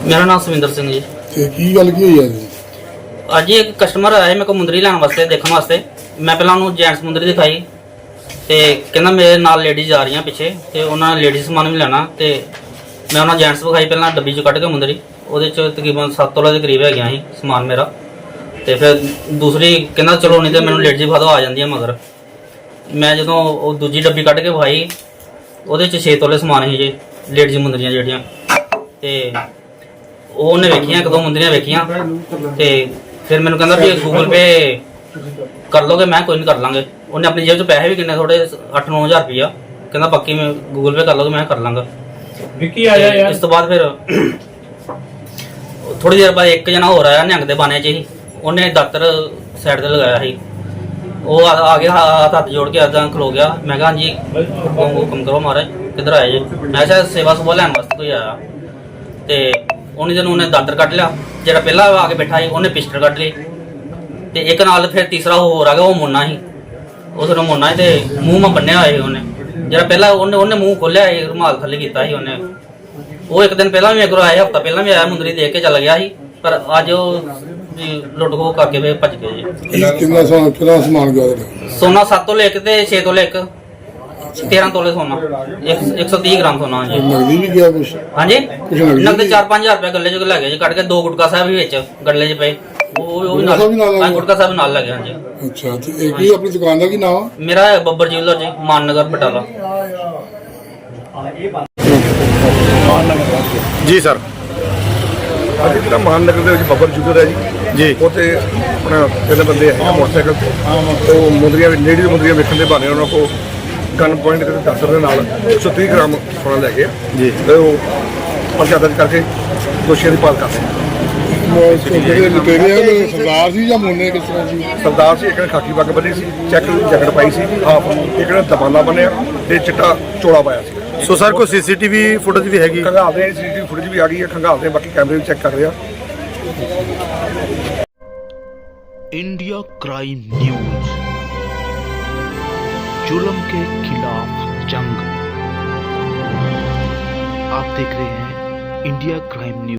ਮੇਰਾ ਨਾਮ ਸਵਿੰਦਰ ਸਿੰਘ ਜੀ। ਤੇ ਕੀ ਗੱਲ ਕੀ ਹੋਈ ਅੱਜ? ਅੱਜ ਇੱਕ ਕਸਟਮਰ ਆਇਆ ਮੇਰੇ ਕੋਲ ਮੁੰਦਰੀ ਲੈਣ ਵਾਸਤੇ, ਦੇਖਣ ਵਾਸਤੇ। ਮੈਂ ਪਹਿਲਾਂ ਉਹਨੂੰ ਜੈਂਟਸ ਮੁੰਦਰੀ ਦਿਖਾਈ ਤੇ ਕਹਿੰਦਾ ਮੇਰੇ ਨਾਲ ਲੇਡੀਜ਼ ਆ ਰਹੀਆਂ ਪਿੱਛੇ ਤੇ ਉਹਨਾਂ ਨੇ ਲੇਡੀਜ਼ ਸਮਾਨ ਵੀ ਲੈਣਾ, ਤੇ ਮੈਂ ਉਹਨਾਂ ਜੈਂਟਸ ਵਿਖਾਈ ਪਹਿਲਾਂ ਡੱਬੀ 'ਚ ਕੱਢ ਕੇ ਮੁੰਦਰੀ। ਉਹਦੇ 'ਚ ਤਕਰੀਬਨ 7 ਤੋਲੇ ਦੇ ਕਰੀਬ ਹੈਗੀਆਂ ਸੀ ਸਮਾਨ ਮੇਰਾ। ਤੇ ਫਿਰ ਦੂਸਰੀ ਕਹਿੰਦਾ ਚਲੋ ਨਹੀਂ ਤੇ ਮੈਨੂੰ ਲੇਡੀਜ਼ ਵਿਖਾ ਦਿਓ, ਆ ਜਾਂਦੀਆਂ ਮਗਰ। ਮੈਂ ਜਦੋਂ ਉਹ ਦੂਜੀ ਡੱਬੀ ਕੱਢ ਕੇ ਵਿਖਾਈ ਉਹਦੇ 'ਚ 6 ਤੋਲੇ ਸਮਾਨ ਸੀ ਜੇ ਲੇਡੀਜ਼ ਮੁੰਦਰੀਆਂ ਜਿਹੜੀਆਂ। ਤੇ ਉਹਨੇ ਵੇਖੀਆਂ, ਇੱਕ ਦੋ ਮੁੰਦਰੀਆਂ ਵੇਖੀਆਂ ਤੇ ਫਿਰ ਮੈਨੂੰ ਕਹਿੰਦਾ ਵੀ ਗੂਗਲ ਪੇ ਕਰ ਲੋਗੇ? ਮੈਂ ਕੋਈ ਨਹੀਂ ਕਰ ਲਾਂਗੇ। ਉਹਨੇ ਆਪਣੀ ਜੇਬ 'ਚ ਪੈਸੇ ਵੀ ਕਿੰਨੇ ਥੋੜੇ 8-9 ਹਜ਼ਾਰ ਰੁਪਈਆ ਕਹਿੰਦਾ ਪੱਕੀ ਮੈਂ ਗੂਗਲ ਪੇ ਕਰ ਲੋਗੇ? ਮੈਂ ਕਰ ਲਾਂਗਾ। ਵਿੱਕੀ ਆਇਆ ਯਾਰ। ਇਸ ਤੋਂ ਬਾਅਦ ਫਿਰ ਥੋੜੀ ਦੇਰ ਬਾਅਦ ਇੱਕ ਜਣਾ ਹੋਰ ਆਇਆ ਨਿਹੰਗ ਦੇ ਬਾਣੇ 'ਚ ਹੀ। ਉਹਨੇ ਦਾਤਰ ਸਾਈਡ ਤੇ ਲਗਾਇਆ ਸੀ। ਉਹ ਆ ਗਿਆ, ਹੱਥ ਜੋੜ ਕੇ ਏਦਾਂ ਖਲੋ ਗਿਆ। ਮੈਂ ਕਿਹਾ ਹਾਂਜੀ ਹੁਕਮ ਕਰੋ ਮਹਾਰਾਜ, ਕਿੱਧਰ ਆਏ ਜੀ? ਮੈਂ ਕਿਹਾ ਸੇਵਾ ਸੁਭਾ ਲੈਣ ਵਾਸਤੇ ਕੋਈ ਆਇਆ। ਤੇ ਉਹਨੇ ਜਦੋਂ ਉਹਨੇ ਦਾਤਰ ਕੱਢ ਲਿਆ, ਜਿਹੜਾ ਪਹਿਲਾਂ ਆ ਕੇ ਬੈਠਾ ਸੀ ਉਹਨੇ ਪਿਸਟਲ ਕੱਢ ਲਈ। ਤੇ ਇੱਕ ਨਾਲ ਫਿਰ ਤੀਸਰਾ ਹੋਰ ਆ ਗਿਆ, ਉਹ ਮੁੰਨਾ ਸੀ। ਉਸ ਨੂੰ ਮੁੰਨਾ ਸੀ ਤੇ ਮੂੰਹ ਮਾ ਬੰਨਿਆ ਹੋਇਆ ਸੀ ਉਹਨੇ। ਜਿਹੜਾ ਪਹਿਲਾਂ ਉਹਨੇ ਮੂੰਹ ਖੋਲਿਆ ਸੀ, ਰੁਮਾਲ ਥੱਲੇ ਕੀਤਾ ਸੀ ਉਹਨੇ। ਉਹ ਇੱਕ ਦਿਨ ਪਹਿਲਾਂ ਵੀ ਮੇਰੇ ਕੋਲ ਆਇਆ, ਹਫ਼ਤਾ ਪਹਿਲਾਂ ਵੀ ਆਇਆ, ਮੁੰਦਰੀ ਦੇਖ ਕੇ ਚੱਲ ਗਿਆ ਸੀ। ਪਰ ਅੱਜ ਉਹ ਲੁੱਟ ਖੋਹ ਕਰਕੇ ਫਿਰ ਭੱਜ ਗਏ ਜੀ। ਕਿੰਨਾ ਸਮਾਨ ਗਿਆ ਤੁਹਾਡਾ? ਸੋਨਾ 7 ਤੋਲੇ ਇੱਕ ਤੇ 6 ਤੋਲੇ ਇੱਕ, 13 ਤੋਲੇ ਸੋਨਾ, 130 ਗ੍ਰਾਮ ਸੋਨਾ ਜੀ। ਨਗਦੀ ਵੀ ਗਿਆ ਕੁਛ? ਹਾਂਜੀ, ਕੁਛ ਨਗਦੀ ਨਗਦ 4-5 ਹਜ਼ਾਰ ਰੁਪਏ ਗੱਲੇ 'ਚ ਲੈ ਗਏ ਜੀ ਕੱਢ ਕੇ। 2 ਗੁਟਕਾ ਸਾਹਿਬ ਵੀ ਵਿੱਚ ਗੱਲੇ 'ਚ ਪਏ, ਉਹ ਵੀ ਨਾਲ ਗੁਟਕਾ ਸਾਹਿਬ ਨਾਲ ਲੈ ਗਏ। ਹਾਂਜੀ। ਅੱਛਾ, ਤੇ ਇਹ ਕੀ ਆਪਣੀ ਦੁਕਾਨ ਦਾ ਕੀ ਨਾਮ? ਮੇਰਾ ਹੈ ਬੱਬਰ ਜਿਊਲਰ ਜੀ, ਮਾਨਨਗਰ ਬਟਾਲਾ। ਜੀ ਸਰ, ਅੱਜ ਜਿਹੜਾ ਮਾਨਨਗਰ ਦੇ ਵਿੱਚ ਬੱਬਰ ਜੁਗਰ ਹੈ ਜੀ, ਉੱਥੇ ਆਪਣਾ ਤਿੰਨ ਬੰਦੇ ਹੈ ਮੋਟਰਸਾਈਕਲ ਤੇ। ਉਹ ਮੁੰਦਰੀਆਂ ਲੇਡੀਜ਼ ਮੁੰਦਰੀਆਂ ਵੇਖਣ ਦੇ ਬਹਾਨੇ ਉਹਨਾਂ ਕੋਲ ਗਨ ਪੁਆਇੰਟ ਕਰਕੇ ਦਾਤਰ ਦੇ ਨਾਲ 130 ਗ੍ਰਾਮ ਸੋਨਾ ਲੈ ਗਏ ਜੀ। ਤੇ ਉਹ ਪਰਚਾ ਦਰਜ ਕਰਕੇ ਦੋਸ਼ੀਆਂ ਦੀ ਭਾਲ ਕਰ ਰਹੇ। ਜਿਹੜੇ ਲੁਟੇਰੇ ਆ ਉਹ ਸਰਦਾਰ ਸੀ ਜਾਂ ਮੁੰਨੇ ਕਿਸ ਤਰ੍ਹਾਂ ਸੀ? ਸਰਦਾਰ ਸੀ, ਇੱਕ ਨੇ ਖਾਕੀ ਪੱਗ ਬੰਨੀ ਸੀ, ਚੈੱਕ ਦੀ ਜੈਕਟ ਪਾਈ ਸੀ ਹਾਫ, ਇੱਕ ਨੇ ਦਬਾਨਾ ਬੰਨਿਆ ਤੇ ਚਿੱਟਾ ਚੋਲਾ ਪਾਇਆ ਸੀ। ਸੋ ਸਰ ਕੋਈ ਸੀਸੀਟੀਵੀ ਫੁਟੇਜ ਵੀ ਹੈਗੀ? ਖੰਗਾਲਦੇ ਆ, ਸੀਸੀਟੀਵੀ ਫੁਟੇਜ ਵੀ ਆ ਗਈ ਹੈ, ਖੰਗਾਲਦੇ ਬਾਕੀ ਕੈਮਰੇ ਵੀ ਚੈੱਕ ਕਰ ਰਹੇ ਆ। इंडिया क्राइम न्यूज, जुल्म के खिलाफ जंग। आप देख रहे हैं इंडिया क्राइम न्यूज।